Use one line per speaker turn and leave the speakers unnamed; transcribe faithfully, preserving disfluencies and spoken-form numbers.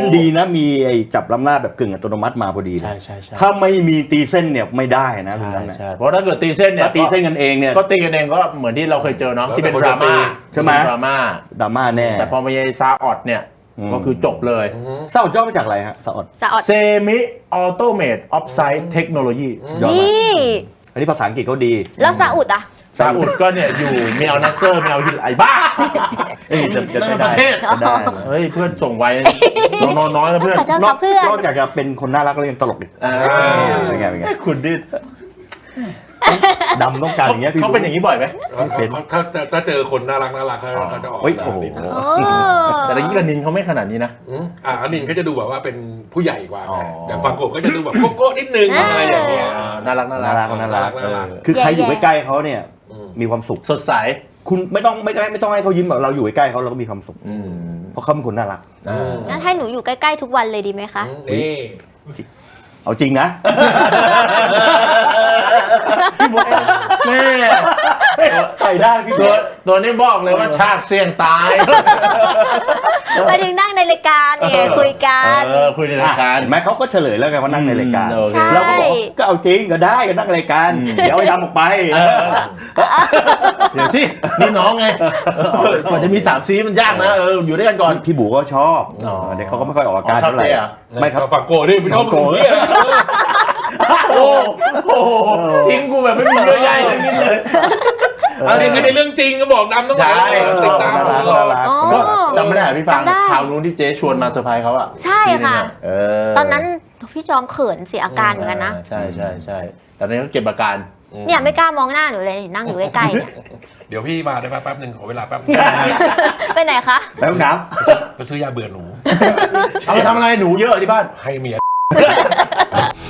นดีนะมีไอ้จับล้ำหน้าแบบกึ่งอัตโนมัติมาพอดี
ใช่ใช่ใช่
ถ้าไม่มีตีเส้นเนี่ยไม่ได้นะตรงนั้น
ใช่เพราะถ้าเกิดตีเส้นเนี่ย
ตีเส้นกันเองเนี่ย
ก็ตีกันเองก็เหมือนที่เราเคยเจอเนาะที่เป็นดราม่า
ใช่ไหม
ดราม่า
ดราม่าแน่
แต่พอมาเยซาออดเนี่ยก็คือจบเลย
ซาอดย่อมาจากอะไรฮะซาอด
สะอด
เซมิออโตเมตออฟไซด์เทคโนโลยี
ยอด
นี
มาก่อันนี้ภาษาอังกฤษเขาดี
แล้วซาอุดอ่ะ
ซาอุดก็เนี่ยอยู่เมลนัสเซอร์เมลฮิลไอบ้า
เอ้ยจะจะ
นั่น
ได้
ประเทศ
จะได้
เฮ้ยเพื่อนส่งไว้นอนน้อยนะเพื่อน
ขอโทษ
น
ค
อ
รั
ก
บเพื่อน
นอกจากจะเป็นคนน่ารักแล้วยังตลกอีก
อ่า
เป็นไงเป็นไง
คุณดิ
ดำต้องการอย่างเงี้ยพี่
เขาเป็นอย่างนี้บ่อยไหม
เป็น
ถ้าถ้าเจอคนน่ารักน่ารักเขาเขาจะออก
เฮ้ยโอ้โห
นิดนึง
โอ้
แต่ตะกี้กับนินเขาไม่ขนาดนี้นะ
อืมอ่าอันนินเขาจะดูแบบว่าเป็นผู้ใหญ่กว่า
อ๋อ
ไงอย่างฟังโกะก็จะดูแบบโก๊ะๆนิดนึงอะไรอย่างเงี้ย
อ่าน่ารักน่า
น่า
รั
รั
ก
กน่ารัก
น่ารัก
เออคือใครอยู่ใกล้ๆเขาเนี่ย
อืม
มีความสุข
สดใส
คุณไม่ต้องไม่ไม่ไม่ต้องให้เขายิ้มแบบเราอยู่ใกล้ๆเขาเราก็มีความสุข
อืม
เพราะเขาเป็นคนน่ารัก
อ่า
งั้นให้หนูอยู่ใกล้ๆทุกวันเลยดีไหมคะ
นี่
เอาจริงนะ
แม่
ใส่ได้พี่
ตัวตัวนี้บอกเลยว่าชาติเสี่ยงตาย
ไปถึงนั่งในรายการเนี่ยคุยกัน
เออคุยในรายการ
เห็นไหมเขาก็เฉลยแล้วไงว่านั่งในรายการ
อืมโอเค
เราก็บอกก็เอาจริงก็ได้ก็นั่งรายการ
อืม
เดี๋ยวไอ้ดำออกไป
เออเดี๋ยวสินี่น้องไงเออกว่าจะมีสามซีมันยากนะเอออยู่ด้วยกันก่อน
พี่บูก็ชอบ
อ๋อ
เด็กเขาก็ไม่ค่อยออกอาการ
อ๋อชอบ
เท่าไหร่
เจ๊เหรอ
ไม่ครับ
ฟังโกะนี่ไม่ชอบ
ฟังโกะ
เนี่ย
โอ้โหทิ้งกูแบบไม่มีเยอะใหญ่ทั้งนิดเลย
อันนี้คือในเรื่องจริงก็บอกดำต้อง
ใช่
ติดตาม
น่ารัก
ตลอ
น่า
ด
รัก
อ๋อ
ก็จำไม่ได้พี่ฟัง
จำได้
คราวนู้นที่เจ๊ชวนมาเซอร์ไพรส์เขาอะ
ใช่ค่ะ
เออ
ตอนนั้นพี่จอมเขินเสียอาการเหมือนกันนะ
ใช่ใช่ใช่แต่ตอนนี้เขาเก็บอาการ
เนี่ยไม่กล้ามองหน้าหนูเลยนั่งอยู่ใกล้ๆเนี่ย
เดี๋ยวพี่มาได้ไหมแป๊บหนึ่งขอเวลาแป๊บนึง
ไปไหนคะ
แล้วน้
ไปซื้อยาเบื่อหนู
เอาไปทำอะไรหนูเยอะที่บ้าน
ให้เมีย